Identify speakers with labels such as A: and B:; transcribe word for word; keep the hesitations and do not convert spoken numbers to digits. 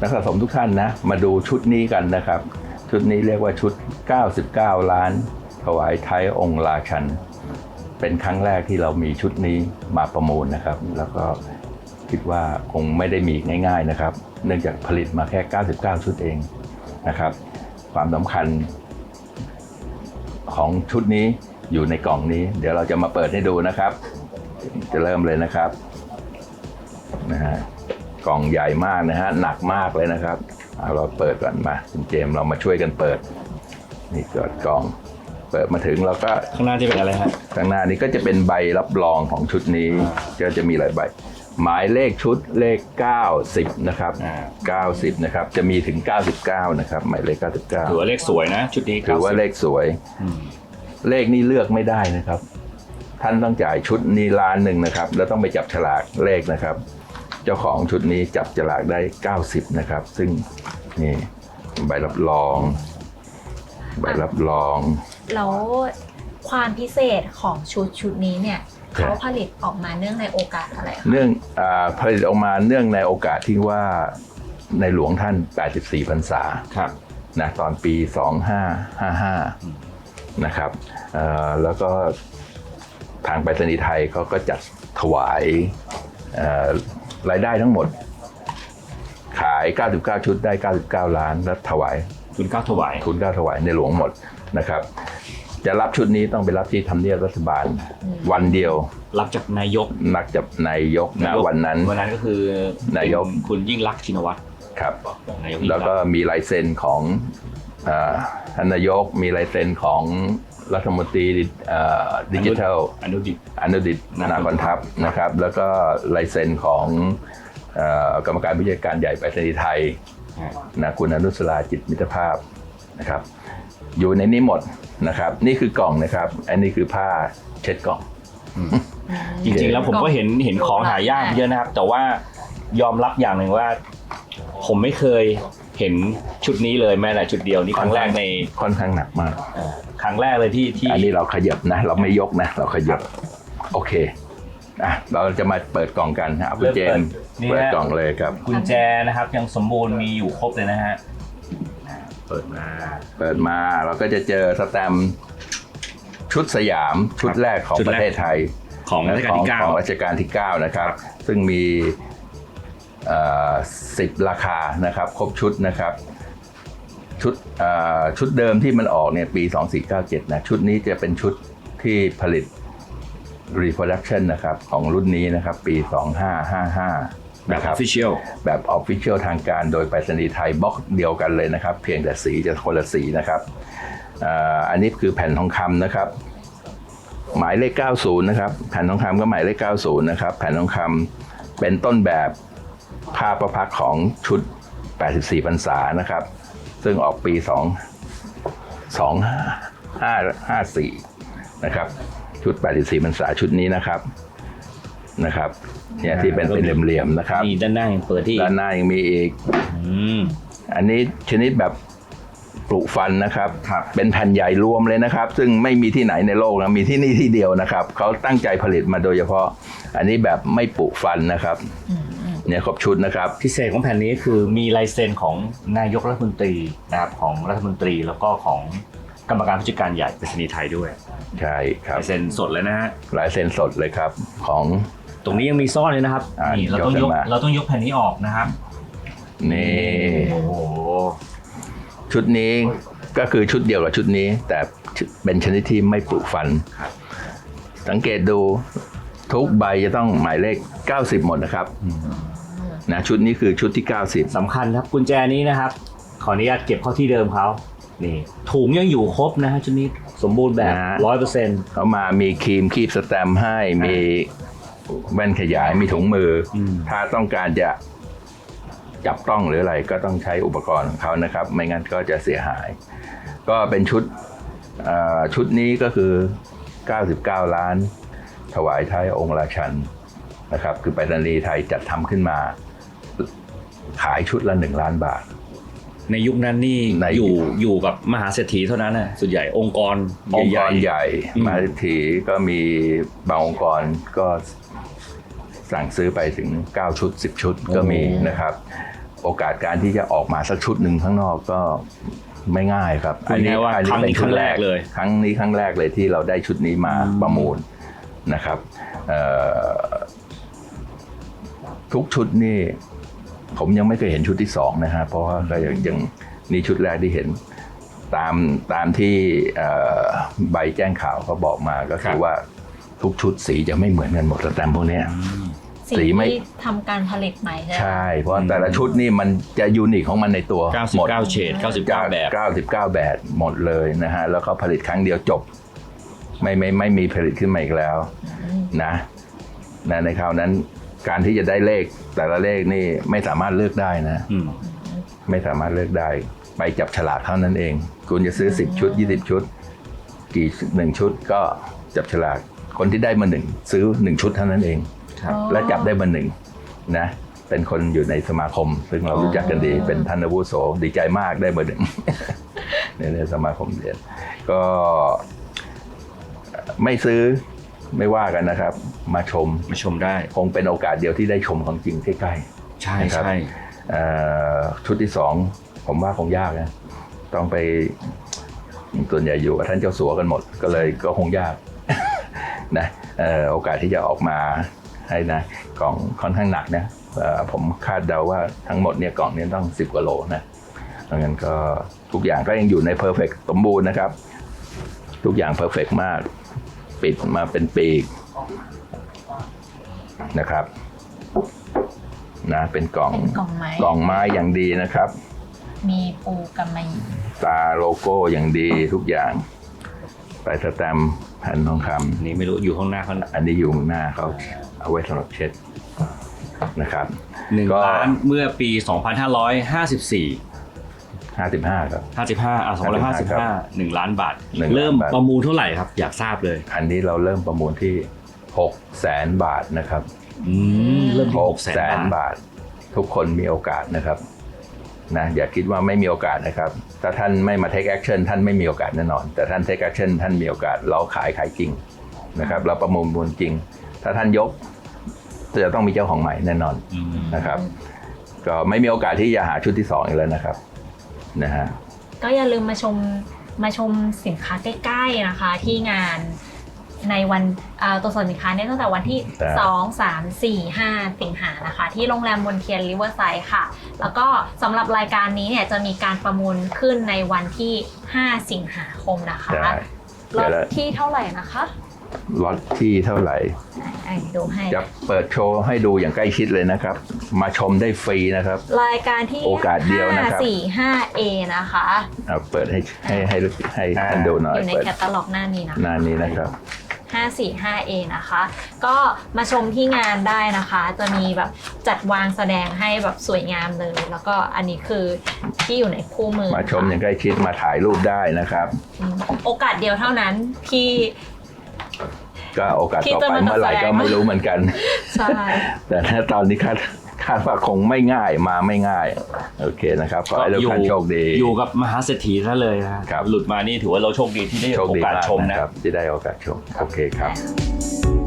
A: กสะสมทุกท่านนะมาดูชุดนี้กันนะครับชุดนี้เรียกว่าชุดเก้าสิบเก้าล้านถวายไทยองค์ราชันเป็นครั้งแรกที่เรามีชุดนี้มาประมูลนะครับแล้วก็คิดว่าคงไม่ได้มีง่ายๆนะครับเนื่องจากผลิตมาแค่เก้าสิบเก้าชุดเองนะครับความสำคัญของชุดนี้อยู่ในกล่องนี้เดี๋ยวเราจะมาเปิดให้ดูนะครับจะเริ่มเลยนะครับนะฮะกล่องใหญ่มากนะฮะหนักมากเลยนะครับเอาเราเปิดก่อนมาคุณเจมส์เรามาช่วยกันเปิดนี่เกิดกล่องเปิดมาถึงเราก็
B: ข้างหน้าจะเป็นอะไรครับ
A: ข้างหน้านี้ก็จะเป็นใบรับรองของชุดนี้ก็จะมีหลายใบหมายเลขชุดเลขเก้าสิบนะครับเก้าสิบนะครับจะมีถึงเก้าสิบเก้านะครับหมายเลขเก้าสิบเก้า
B: ถือว่าเลขสวยนะชุดนี้
A: ถือว่าเลขสวยเลขนี้เลือกไม่ได้นะครับท่านต้องจ่ายชุดนี้ล้านหนึ่งนะครับแล้วต้องไปจับฉลากเลขนะครับเจ้าของชุดนี้จับฉลากได้เก้าสิบนะครับซึ่งนี่ใบรับรองใบรับรอง
C: แล้วความพิเศษของชุดชุดนี้เนี่ยเขาผลิตออกมาเนื่องในโอกาสอะไรคะ
A: เนื่องอ่าผลิตออกมาเนื่องในโอกาสที่ว่าในหลวงท่านแปดสิบสี่พรรษา
B: ครับ
A: นะตอนปีสองพันห้าร้อยห้าสิบห้านะครับแล้วก็ทางไปรษณีย์ไทยเขาก็จัดถวายรายได้ทั้งหมดขายเก้าสิบเก้าชุดได้เก้าสิบเก้าล้านแล้วถวาย
B: ทุนเก้าถวาย
A: ทุนเก้าถวายในหลวงหมดนะครับจะรับชุดนี้ต้องไปรับที่ทำเนียบรัฐบาลวันเดียว
B: รับจากนายก
A: นักจากนายกนะวันนั้น
B: วันนั้นก็คือนายกคุณยิ่งลักษณ์ชินวัตร
A: ครับแล้วก็มีลายเซ็นของท่านนายกมีลายเซ็นของรัฐมนตรีดิจิทัล
B: อนุดิต
A: อนุดิตนาคอนทัพนะครับแล้วก็ลายเซ็นของกรรมการผู้จัดการใหญ่ไปรษณีย์ไทยนะคุณอนุสราจิตมิตรภาพนะครับอยู่ในนี้หมดนะครับนี่คือกล่องนะครับอันนี้คือผ้าเช็ดกล่อง
B: จริงๆแล้วผมก็เห็นเห็นของหายากเยอะนะครับแต่ว่ายอมรับอย่างหนึ่งว่าผมไม่เคยเห็นชุดนี้เลยแม้แต่ชุดเดียวนี่ครั้งแรกใน
A: ค่อนข้างหนักมาก
B: ครั้งแรกเลยที่ที่
A: อันนี้เราขยับนะเราไม่ยกนะเราขยับโอเคอ่ะเราจะมาเปิดกล่องกันครับคุณเจมส์เปิดกล่องเลยครับ
B: กุญแจนะครับยังสมบูรณ์มีอยู่ครบเลยนะฮะเปิดมา
A: เปิดมาเราก็จะเจอสแตมป์ชุดสยามชุดแรกของประเทศไทย
B: ของรัชกาลที่เก้า
A: ของรัชกาลที่เก้านะครับซึ่งมีสิบราคานะครับครบชุดนะครับชุดชุดเดิมที่มันออกเนี่ยปีสองพันสี่ร้อยเก้าสิบเจ็ดนะชุดนี้จะเป็นชุดที่ผลิต reproduction นะครับของรุ่นนี้นะครับปีสองพันห้าร้อยห้าสิบห้า
B: แบบ official
A: แบบ official ทางการโดยไปรษณีย์ไทยบล็อกเดียวกันเลยนะครับเพียงแต่สีจะคนละสีนะครับอันนี้คือแผ่นทองคำนะครับหมายเลขเก้าสิบนะครับแผ่นทองคำก็หมายเลขเก้าสิบนะครับแผ่นทองคำเป็นต้นแบบผ้าประพักของชุดแปดสิบสี่พรรษานะครับซึ่งออกปีสองพันห้าร้อยห้าสิบสี่นะครับชุดแปดสิบสี่พรรษาชุดนี้นะครับนะครับเนี่ยที่เป็นเป็นเหลี่ยมๆนะครับ
B: นี่ด้านหน้ายังเปิดที่
A: ด้านหน้ายังมีอีกอันนี้ชนิดแบบปลูกฟันนะครับเป็นแผ่นใหญ่รวมเลยนะครับซึ่งไม่มีที่ไหนในโลกนะมีที่นี่ที่เดียวนะครับเขาตั้งใจผลิตมาโดยเฉพาะอันนี้แบบไม่ปลูกฟันนะครับเนี่ยครบชุดนะครับ
B: พิเศษของแผ่นนี้คือมีลายเซ็นของนายกรัฐมนตรีนะครับของรัฐมนตรีแล้วก็ของกรรมการผู้จัดการใหญ่ไปรษณีย์ไทยด้วย
A: ใช่ครับ
B: ลายเซ็นสดเลยนะฮะ
A: ลายเซ็นสดเลยครับของ
B: ตรงนี้ยังมีซ่อนเลยนะครับนี่เราต้องยกเราต้องยกแผ่นนี้ออกนะครับ
A: นี่โอ้โหชุดนี้ก็คือชุดเดียวกับชุดนี้แต่เป็นชนิดที่ไม่ปลูกฟันสังเกตดูทุกใบจะต้องหมายเลขเก้าสิบหมดนะครับนะชุดนี้คือชุดที่เก้าสิบ
B: สำคัญครับกุญแจนี้นะครับขออนุญาตเก็บเข้าที่เดิมเขานี่ถุงยังอยู่ครบนะฮะชุดนี้สมบูรณ์แบบ ร้อยเปอร์เซ็นต์
A: เขามามีครีมคีบสแตมป์ให้มีแว่นขยายมีถุงมือถ้าต้องการจะจับต้องหรืออะไรก็ต้องใช้อุปกรณ์ของเขานะครับไม่งั้นก็จะเสียหายก็เป็นชุดชุดนี้ก็คือเก้าสิบเก้าล้านถวายไทยองค์ราชันนะครับคือไปรษณีย์ไทยจัดทำขึ้นมาขายชุดละหนึ่งล้านบาท
B: ในยุคนั้นนี่อยู่อยู่กับมหาเศรษฐีเท่านั้นนะส่วนใหญ่องค์กร
A: องค์กรใหญ่มหาเศรษฐีก็มีบางองค์กรก็สั่งซื้อไปถึงเก้าชุดสิบชุดก็มีนะครับโอกาสการที่จะออกมาสักชุดหนึ่งข้างนอกก็ไม่ง่ายครับ
B: พูดง่ายๆว่าครั้งนี้ครั้งแรกเลย
A: ครั้งนี้ครั้งแรกเลยที่เราได้ชุดนี้มาประมูลนะครับเอ่อทุกชุดนี่ผมยังไม่เคยเห็นชุดที่สองนะฮะเพราะว่าก็ยังยังนี่ชุดแรกที่เห็นตามตามที่เอ่อใบแจ้งข่าวเขาบอกมาก็คือว่าทุกชุดสีจะไม่เหมือนกันหมดสแตมป์พวกเนี้ย
C: สี
A: สีไม่
C: ที่ทำการผลิตใหม่ใช่ไหม
A: ใช่ เพราะแต่ละชุดนี่มันจะยูนิคของมันในตัว
B: เก้าสิบ
A: หมด
B: เก้าเฉดเก้าสิบเก้าแบบ
A: เก้าสิบเก้าแบบหมดเลยนะฮะแล้วก็ผลิตครั้งเดียวจบไม่ไม่ไม่มีผลิตขึ้นมาอีกแล้วนะนะในคราวนั้นการที่จะได้เลขแต่ละเลขนี่ไม่สามารถเลือกได้นะ
B: อืม
A: ไม่สามารถเลือกได้ไปจับฉลากเท่านั้นเองคุณจะซื้อสิบชุดยี่สิบชุดกี่หนึ่งชุดก็จับฉลากคนที่ได้มาหนึ่งซื้อหนึ่งชุดเท่านั้นเอง
B: ครับ
A: และจับได้มาหนึ่งนะเป็นคนอยู่ในสมาคม ซึ่งเรารู้จักกันดีเป็นท่านอาวุโสดีใจมากได้มาหนึ่ง ในในสมาคมเรียนก็ไม่ซื้อไม่ว่ากันนะครับ มาชม
B: มาชมได้
A: คงเป็นโอกาสเดียวที่ได้ชมของจริงใกล้
B: ใช่
A: นะครับ
B: ใช่
A: ๆเอ่อชุดที่สองผมว่าคงยากนะต้องไปส่วนใหญ่อยู่กับท่านเจ้าสัวกันหมด ก็เลยก็คงยาก นะเอ่อโอกาสที่จะออกมาให้นะกล่องค่อนข้างหนักนะเอ่อผมคาดเดาว่าทั้งหมดเนี่ยกล่องนี้ต้องสิบกว่าโลนะเพราะงั้นก็ทุกอย่างก็ยังอยู่ในเพอร์เฟกต์สมบูรณ์นะครับ ทุกอย่างเพอร์เฟกต์มากปิดมาเป็นปีกนะครับนะเป็นกล่อง
C: เป็นกล่องไม้
A: กล่องไม้อย่างดีนะครับ
C: มีปูกำมะหยี่
A: ตาโลโก้อย่างดีทุกอย่างใส่สแตมป์แผ่นทองค
B: นี่ไม่รู้อยู่ข้างหน้าเขา
A: ำอันนี้อยู่ข้างหน้าเขาเอาไว้สำหรับเช็ดนะครับ
B: หนึ่ง
A: ก็
B: ล้านเมื่อปี สองพันห้าร้อยห้าสิบสี่
A: ห้าสิบห้าครับ
B: ห้าสิบห้าอ่ะสองพันห้าสิบห้าหนึ่งล้านบาท
A: หนึ่งล้านบาท
B: เริ่มประมูลเท่าไหร่ครับ อยากทราบเลย
A: อันนี้เราเริ่มประมูลที่หกแสนบาทนะครับ
B: อืมเริ่มที่
A: ห
B: ห
A: ก
B: ก
A: แส
B: แส
A: น
B: นบาท
A: บาท ทุกคนมีโอกาสนะครับนะอย่าคิดว่าไม่มีโอกาสนะครับถ้าท่านไม่มา take action ท่านไม่มีโอกาสแน่นอน แต่ท่าน take action ท่านมีโอกาสเราขายขายจริงนะครับเราประมูลมูลจริง ถ้าท่านยกจะต้องมีเจ้าของใหม่แน่นอน
B: อืม
A: นะครับก็ไม่มีโอกาสที่จะหาชุดที่สองอีกแล้วนะครับนะฮะ
C: ก็อย่าลืมมาชมมาชมสินค้าใกล้ๆนะคะ ที่งานในวันเอ่อตัวส่วนสินค้าเนี่ยตั้งแต่วันที่
A: ครับ
C: สอง สาม สี่ ห้า สิงหานะคะ ที่โรงแรมมนเทียนริเวอร์ไซด์ค่ะ แล้วก็สำหรับรายการนี้เนี่ยจะมีการประมูลขึ้นในวันที่ ห้า สิงหาคมนะคะ
A: ได้
C: ร
A: เดี๋
C: ถ
A: ยวละ
C: ที่เท่าไหร่นะคะ
A: ล็อตที่เท่าไหร่
C: อ่ะดูให้
A: จะเปิดโชว์ให้ดูอย่างใกล้ชิดเลยนะครับ มาชมได้ฟรีนะครับ
C: รายการที่
A: โอกาสเดียวนะครับ
C: ห้า สี่ ห้า เอ นะคะ
A: เอาเปิดให้ให้ให้ให้ท่านดูหน่อ
C: อย ยู่ใน
A: เปิด
C: แคตตาล็อกหน้านี้นะคะ
A: หน้านี้นะครับ
C: ห้า สี่ ห้า เอ นะคะ ก็มาชมที่งานได้นะคะ จะมีแบบจัดวางแสดงให้แบบสวยงามเลย แล้วก็อันนี้คือที่อยู่ในคู่มือ
A: มาชมอย่างใกล้ชิดมาถ่ายรูปได้นะครับ
C: อืมโอกาสเดียวเท่านั้นที่
A: ก็โอกาส
C: ที่
A: ต่อ
C: จะ
A: ไป
C: มา
A: เมื่อไหร่
C: แสดง
A: ก็ไม่รู้เหมือนกัน
C: ใช่
A: แต่ถ้าตอนนี้คาดคาดว่าคงไม่ง่ายมาไม่ง่ายโอเคนะครับขอให้ทุกท่านโชคดี
B: อยู่กับมหาเศรษฐีซะเลยนะครับ หลุดมานี่ถือว่าเราโชคดีที่ได้
A: โชค
B: โอ
A: ดี
B: กาส
A: มาก
B: ชม
A: นะ
B: นะ
A: ครับที่ได้โอกาสชมโอเคครับ